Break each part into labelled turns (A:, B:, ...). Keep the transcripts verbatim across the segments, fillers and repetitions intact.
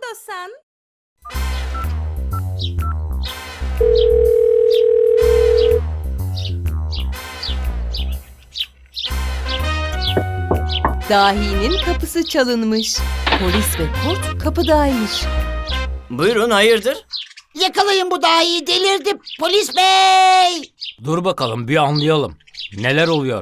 A: Kandosen. Dahinin kapısı çalınmış. Polis ve kurt kapıdaymış.
B: Buyurun, hayırdır?
C: Yakalayın bu dahiyi, delirdi polis bey!
D: Dur bakalım bir anlayalım. Neler oluyor?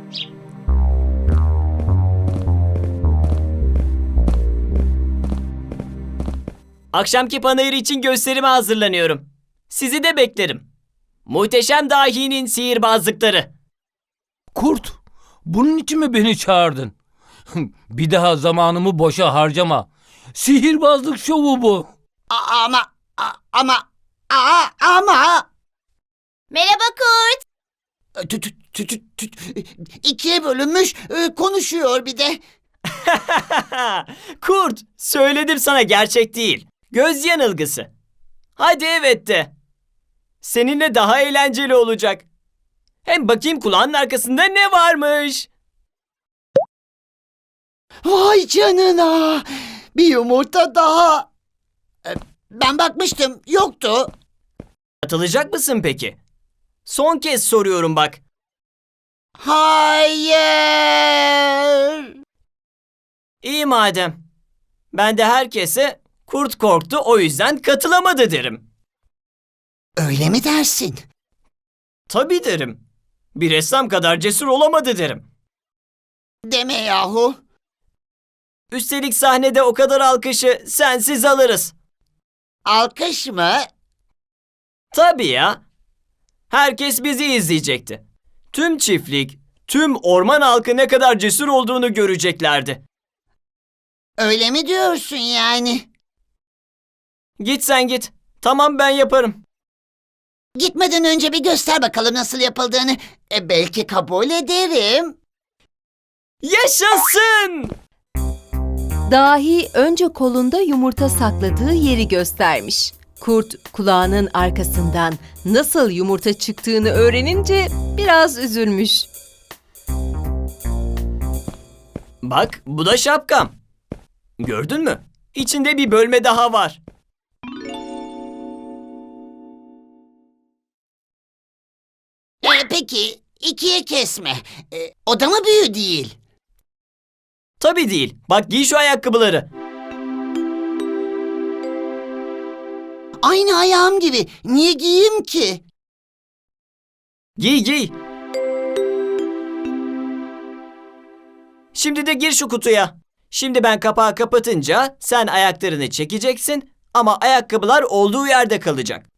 B: Akşamki panayır için gösterime hazırlanıyorum. Sizi de beklerim. Muhteşem dahinin sihirbazlıkları.
D: Kurt, bunun için mi beni çağırdın? Bir daha zamanımı boşa harcama. Sihirbazlık şovu bu.
C: A- ama, a- ama, a- ama...
E: Merhaba kurt.
C: Tü- tü- tü- tü- tü- İkiye bölünmüş, e, konuşuyor bir de.
B: Kurt, söyledim sana, gerçek değil. Göz yanılgısı. Hadi evet de. Seninle daha eğlenceli olacak. Hem bakayım kulağının arkasında ne varmış.
C: Vay canına! Bir yumurta daha. E, Ben bakmıştım, yoktu.
B: Katılacak mısın peki? Son kez soruyorum bak.
C: Hayır!
B: İyi madem. Ben de herkese kurt korktu o yüzden katılamadı derim.
C: Öyle mi dersin?
B: Tabii derim. Bir ressam kadar cesur olamadı derim.
C: Deme yahu.
B: Üstelik sahnede o kadar alkışı sensiz alırız.
C: Alkış mı?
B: Tabii ya. Herkes bizi izleyecekti. Tüm çiftlik, tüm orman halkı ne kadar cesur olduğunu göreceklerdi.
C: Öyle mi diyorsun yani?
B: Git sen git. Tamam, ben yaparım.
C: Gitmeden önce bir göster bakalım nasıl yapıldığını. E, belki kabul ederim.
B: Yaşasın!
A: Dahi önce kolunda yumurta sakladığı yeri göstermiş. Kurt kulağının arkasından nasıl yumurta çıktığını öğrenince biraz üzülmüş.
B: Bak, bu da şapkam. Gördün mü? İçinde bir bölme daha var.
C: E, peki ikiye kesme. E, o da mı büyü değil?
B: Tabii değil. Bak, giy şu ayakkabıları.
C: Aynı ayağım gibi. Niye giyeyim ki?
B: Giy giy. Şimdi de gir şu kutuya. Şimdi ben kapağı kapatınca sen ayaklarını çekeceksin ama ayakkabılar olduğu yerde kalacak.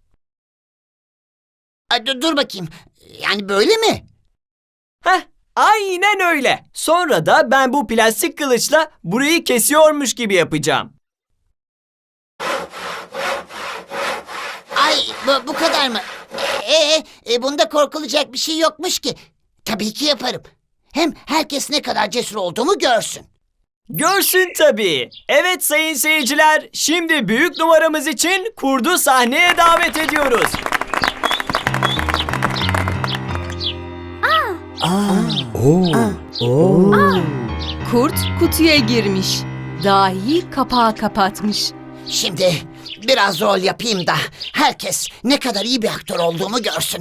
C: A, dur, dur bakayım. Yani böyle mi?
B: Heh, aynen öyle. Sonra da ben bu plastik kılıçla burayı kesiyormuş gibi yapacağım.
C: Ay bu, bu kadar mı? E, e, e, bunda korkulacak bir şey yokmuş ki. Tabii ki yaparım. Hem herkes ne kadar cesur olduğumu görsün.
B: Görsün tabii. Evet sayın seyirciler, şimdi büyük numaramız için kurdu sahneye davet ediyoruz.
A: Kurt kutuya girmiş. Dahi kapağı kapatmış.
C: Şimdi biraz rol yapayım da herkes ne kadar iyi bir aktör olduğumu görsün.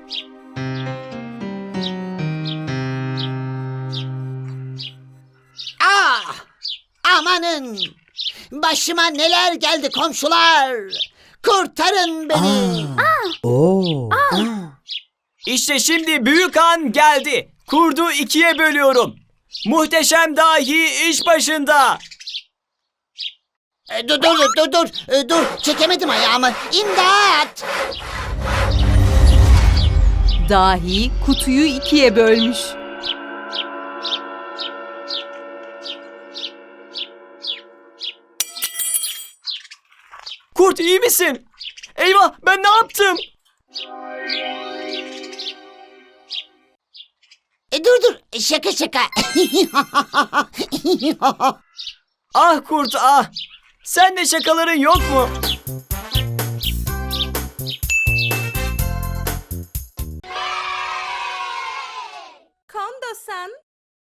C: Ah! Amanın! Başıma neler geldi komşular! Kurtarın beni!
B: İşte şimdi büyük an geldi. Kurdu ikiye bölüyorum. Muhteşem dahi iş başında.
C: E, dur dur dur dur E, dur çekemedim ayağımı. İmdat!
A: Dahi kutuyu ikiye bölmüş.
B: Kurt, iyi misin? Eyvah, ben ne yaptım?
C: E, dur dur E, şaka şaka.
B: Ah kurt ah. Sen de şakaların yok mu?
A: Kandosen.